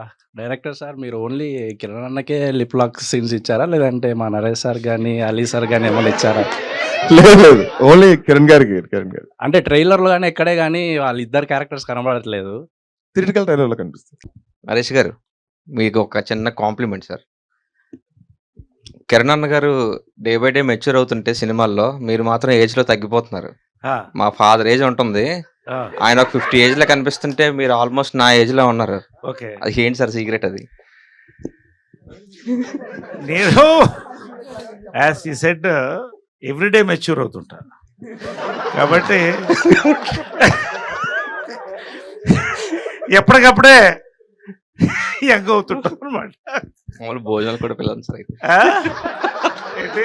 Director sir మీరు only Kiran అన్నకే lip lock scenes ఇచ్చారా? లేదంటే మా నరేష్ సార్ గాని, అలీ సార్ గాని ఏమన్నా ఇచ్చారా? లేదు లేదు, ఓన్లీ కిరణ్ గారు. అంటే ట్రైలర్‌లో గాని ఎక్కడే గాని వాళ్ళిద్దరు క్యారెక్టర్స్ కనబడట్లేదు. థియేట్రికల్ ట్రైలర్ లో కనిపిస్తుంది. నరేష్ గారు, మీకు ఒక చిన్న కాంప్లిమెంట్ సార్. కిరణ్ అన్న గారు డే బై డే మెచ్యూర్ అవుతుంటే సినిమాల్లో మీరు మాత్రం ఏజ్ లో తగ్గిపోతున్నారు. ఆ! మా ఫాదర్ ఏజ్ ఉంటుంది, ఆ! ఆయన ఒక 50 ఏజ్ లో కనిపిస్తుంటే మీరు ఆల్మోస్ట్ నా ఏజ్ లో ఉన్నారు. ఓకే. అది ఏంటి సార్ సీక్రెట్ అది? నేను యాజ్ ఈ సెడ్ ఎవ్రీడే మెచ్యూర్ అవుతుంటాను కాబట్టి ఎప్పటికప్పుడే యంగ్ అవుతుంటాం అనమాట. మామూలు భోజనాలు కూడా పిల్లలు సార్. ఏంటి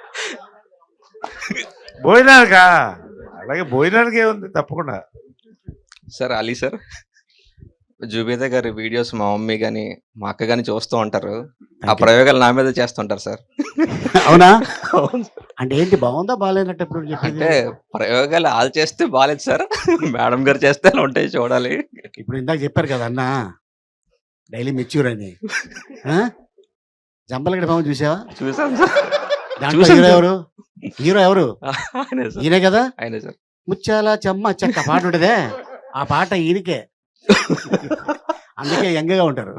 భోజనానికా? అలాగే భోజనానికి ఏముంది, తప్పకుండా. సార్ అలీ సార్, జుబేదా గారి వీడియోస్ మా మమ్మీ కానీ మా అక్క కానీ చూస్తూ ఉంటారు. ఆ ప్రయోగాలు నా మీద చేస్తుంటారు సార్. అవునా? అంటే ఏంటి, బాగుందా బాగాలేనట్టు ఎప్పుడు చెప్పేది? అంటే ప్రయోగాలు వాళ్ళు చేస్తే బాగాలేదు సార్, మేడం గారు చేస్తే అలా ఉంటాయి చూడాలి. ఇప్పుడు ఇందాక చెప్పారు కదా అన్న, డైలీ మెచ్యూర్ అని. జంపలగడ బాబు చూసావా? చూసాను సార్. దాంట్లో చూసాను హీరో సార్. ఎవరు? హీరో ఎవరు? ఆయనే సార్, ఈయనే కదా. ఆయనే సార్. ముచ్చాల చెమ్మ చెక్క పాట ఉంటదే, ఆ పాట ఈయనకే. అందుకే యంగ్గా ఉంటారు.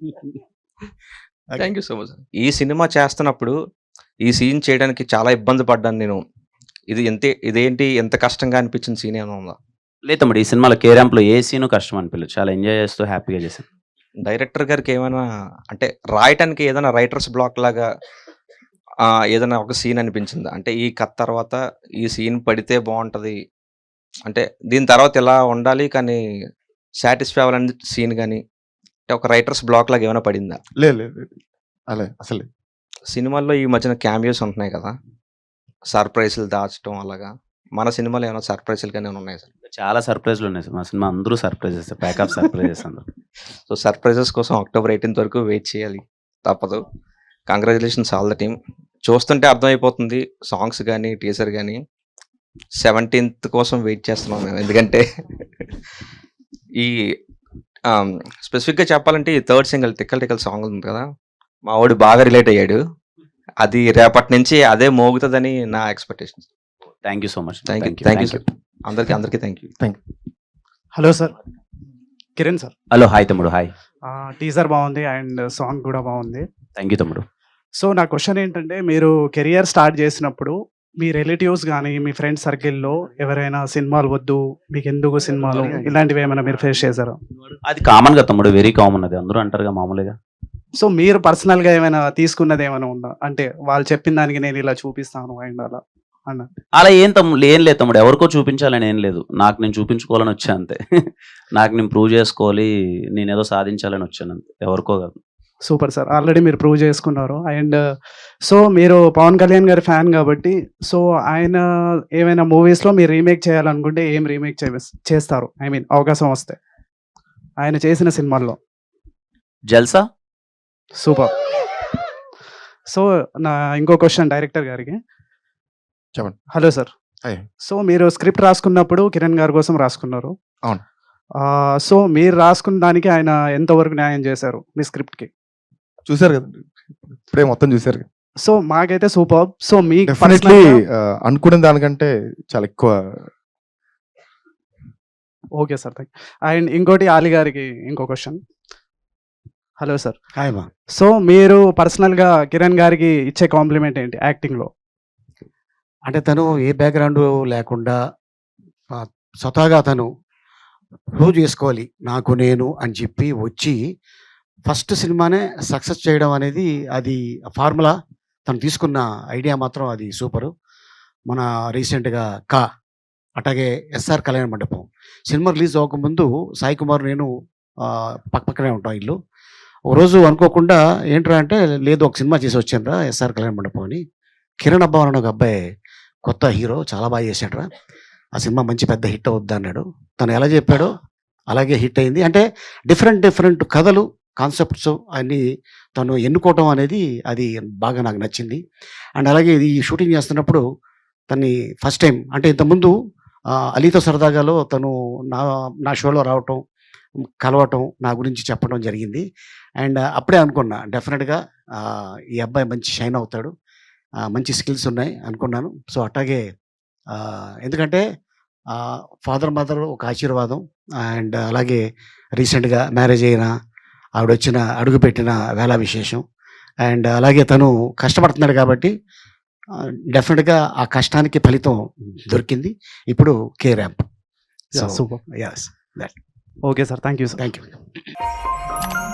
Thank you so much. ఈ సినిమా చేస్తున్నప్పుడు ఈ సీన్ చేయడానికి చాలా ఇబ్బంది పడ్డాను నేను. ఇదేంటి ఎంత కష్టంగా అనిపించిన సీన్ ఏమైనా ఉందా? లేదు తమ్ముడు, ఈ సినిమాలో కే ర్యాంప్లో ఏ సీను కష్టం అనిపించలేదు. చాలా ఎంజాయ్ చేస్తూ హ్యాపీగా చేశాను. డైరెక్టర్ గారికి ఏమైనా అంటే రాయటానికి ఏదైనా రైటర్స్ బ్లాక్ లాగా ఏదైనా ఒక సీన్ అనిపించిందా? అంటే ఈ కథ తర్వాత ఈ సీన్ పడితే బాగుంటది, అంటే దీని తర్వాత ఇలా ఉండాలి కానీ సాటిస్ఫై అవ్వాలని సీన్ కానీ, అంటే ఒక రైటర్స్ బ్లాక్ లాగా ఏమైనా పడిందా? లేదు లేదు లేదు. అలా అసలు సినిమాల్లో ఈ మధ్యన క్యామియోస్ ఉంటున్నాయి కదా, సర్ప్రైజ్లు దాచడం అలాగా. మన సినిమాలో ఏమైనా సర్ప్రైజ్లు కానీ ఏమైనా ఉన్నాయి సార్? చాలా సర్ప్రైజ్లు ఉన్నాయి సార్. మా సినిమా అందరూ సర్ప్రైజెస్, ప్యాక్ ఆఫ్ సర్ప్రైజెస్ అందరూ. సో సర్ప్రైజెస్ కోసం అక్టోబర్ 18th వరకు వెయిట్ చేయాలి, తప్పదు. Congratulations all the team. చూస్తుంటే అర్థమైపోతుంది సాంగ్స్ కానీ టీజర్ కానీ. 17th కోసం వెయిట్ చేస్తున్నాం మేము, ఎందుకంటే ఈ స్పెసిఫిక్గా చెప్పాలంటే ఈ థర్డ్ సింగిల్ టిక్కల్ టిక్కల్ సాంగ్ ఉంది కదా, మా వాడు బాగా రిలేట్ అయ్యాడు. అది రేపటి నుంచి అదే మోగుతుందని నా expectation. Thank you so much. Thank you sir. అందరికీ thank you. Hello sir, Kiran sir. Hello, hi తమ్ముడు, హాయ్. టీజర్ బాగుంది అండ్ సాంగ్ కూడా బాగుంది. థ్యాంక్ యూ తమ్ముడు. సో నా క్వశ్చన్ ఏంటంటే, మీరు కెరియర్ స్టార్ట్ చేసినప్పుడు మీ రిలేటివ్స్ కానీ మీ ఫ్రెండ్స్ సర్కిల్లో ఎవరైనా సినిమాలు వద్దు, మీకు ఎందుకు సినిమాలు, ఇలాంటివి ఏమైనా మీరు ఫేస్ చేశారా? అది కామన్ గా తమ్ముడు, వెరీ కామన్. అది అందరూ అంటారుగా మామూలుగా. సో మీరు పర్సనల్గా ఏమైనా తీసుకున్నది ఏమైనా ఉందా? అంటే వాళ్ళు చెప్పిన దానికి నేను ఇలా చూపిస్తాను అండ్ అలా అన్న. అలా ఏం తమ్ముడు, ఏం లేదు తమ్ముడు, ఎవరికో చూపించాలని ఏం లేదు. నాకు నేను చూపించుకోవాలని వచ్చా అంతే. నాకు నేను ప్రూవ్ చేసుకోవాలి, నేను ఏదో సాధించాలని వచ్చాను అంతే, ఎవరికో కాదు. సూపర్ సార్, ఆల్రెడీ మీరు ప్రూవ్ చేసుకున్నారు. అండ్ సో మీరు పవన్ కళ్యాణ్ గారి ఫ్యాన్ కాబట్టి, సో ఆయన ఏమైనా మూవీస్లో మీరు రీమేక్ చేయాలనుకుంటే ఏం రీమేక్ చేస్తారు? ఐ మీన్ అవకాశం వస్తే ఆయన చేసిన సినిమాల్లో. జల్సా. సూపర్. సో నా ఇంకో క్వశ్చన్ డైరెక్టర్ గారికి. చెప్పండి. Hello sir. హాయ్. సో మీరు స్క్రిప్ట్ రాసుకున్నప్పుడు కిరణ్ గారి కోసం రాసుకున్నారు. అవును. సో మీరు రాసుకున్న దానికి ఆయన ఎంతవరకు న్యాయం చేశారు మీ స్క్రిప్ట్కి? చూసారు కదా, ఇప్పుడే మొత్తం చూసారు కదా. సో మాకైతే సూపర్. సో మీకు డెఫినెట్లీ అనుకున్న దానికంటే చాలా ఎక్కువ. Okay sir, thank. అండ్ ఇంకోటి ఆలి గారికి ఇంకో క్వశ్చన్. Hello sir. హాయ్ మా. సో మీరు పర్సనల్గా కిరణ్ గారికి ఇచ్చే కాంప్లిమెంట్ ఏంటి యాక్టింగ్లో? అంటే తను ఏ బ్యాక్గ్రౌండ్ లేకుండా స్వతహాగా తను ప్రూవ్ చేసుకోవాలి నాకు నేను అని చెప్పి వచ్చి ఫస్ట్ సినిమానే సక్సెస్ చేయడం అనేది, అది ఫార్ములా. తను తీసుకున్న ఐడియా మాత్రం అది సూపరు. మన రీసెంట్గా అట్లాగే SR Kalyana Mandapam cinema release అవ్వకముందు సాయి కుమార్ నేను పక్కనే ఉంటాం ఇల్లు. ఒక రోజు అనుకోకుండా ఏంట్రా అంటే, లేదు ఒక సినిమా చేసి వచ్చానురా ఎస్ఆర్ కళ్యాణ మండపం అని. కిరణ్ అబ్బా అని ఒక అబ్బాయి కొత్త హీరో, చాలా బాగా చేశాడురా, ఆ సినిమా మంచి పెద్ద హిట్ అవుద్ది అన్నాడు. తను ఎలా చెప్పాడో అలాగే హిట్ అయింది. అంటే డిఫరెంట్ కథలు, కాన్సెప్ట్స్ అన్నీ తను ఎన్నుకోవటం అనేది అది బాగా నాకు నచ్చింది. అండ్ అలాగే ఇది షూటింగ్ చేస్తున్నప్పుడు తన్ని ఫస్ట్ టైం, అంటే ఇంతకుముందు అలీతో సరదాగాలో తను నా షోలో రావటం, కలవటం, నా గురించి చెప్పడం జరిగింది. అండ్ అప్పుడే అనుకున్నా డెఫినెట్‌గా ఈ అబ్బాయి మంచి షైన్ అవుతాడు. మంచి స్కిల్స్ ఉన్నాయి అనుకున్నాను. సో అట్టాగే ఎందుకంటే ఫాదర్, మదర్ ఒక ఆశీర్వాదం. అండ్ అలాగే రీసెంట్‌గా మ్యారేజ్ అయిన ఆవిడొచ్చిన అడుగుపెట్టిన వేళ విశేషం. అండ్ అలాగే తను కష్టపడుతున్నాడు కాబట్టి డెఫినెట్‌గా ఆ కష్టానికి ఫలితం దొరికింది. ఇప్పుడు K ramp. So super. Yes. Okay sir. Thank you sir. Thank you.